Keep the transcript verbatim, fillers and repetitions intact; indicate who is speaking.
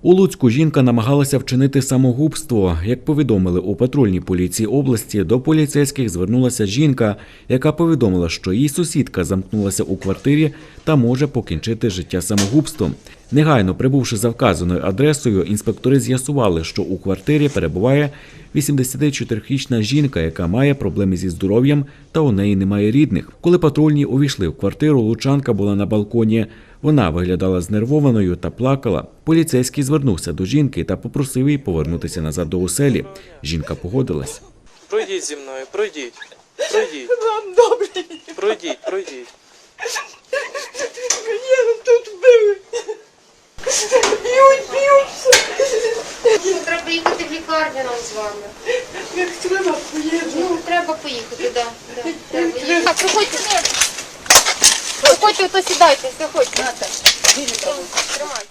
Speaker 1: У Луцьку жінка намагалася вчинити самогубство. Як повідомили у патрульній поліції області, до поліцейських звернулася жінка, яка повідомила, що її сусідка замкнулася у квартирі та може покінчити життя самогубством. Негайно прибувши за вказаною адресою, інспектори з'ясували, що у квартирі перебуває вісімдесятичотирирічна жінка, яка має проблеми зі здоров'ям та у неї немає рідних. Коли патрульні увійшли в квартиру, лучанка була на балконі. Вона виглядала знервованою та плакала. Поліцейський звернувся до жінки та попросив її повернутися назад до оселі. Жінка погодилась.
Speaker 2: Пройдіть зі мною, пройдіть. Пройдіть.
Speaker 3: Вам добре.
Speaker 2: Пройдіть, пройдіть.
Speaker 3: Мені тут били. Б'ють, б'ють.
Speaker 4: Треба їхати в лікарню нам з вами.
Speaker 3: Як треба, поїду.
Speaker 4: Ну, треба поїхати, да. да. Треба їхати. А, проходьте. Проходьте, то сідайте, заходьте. Тримайте.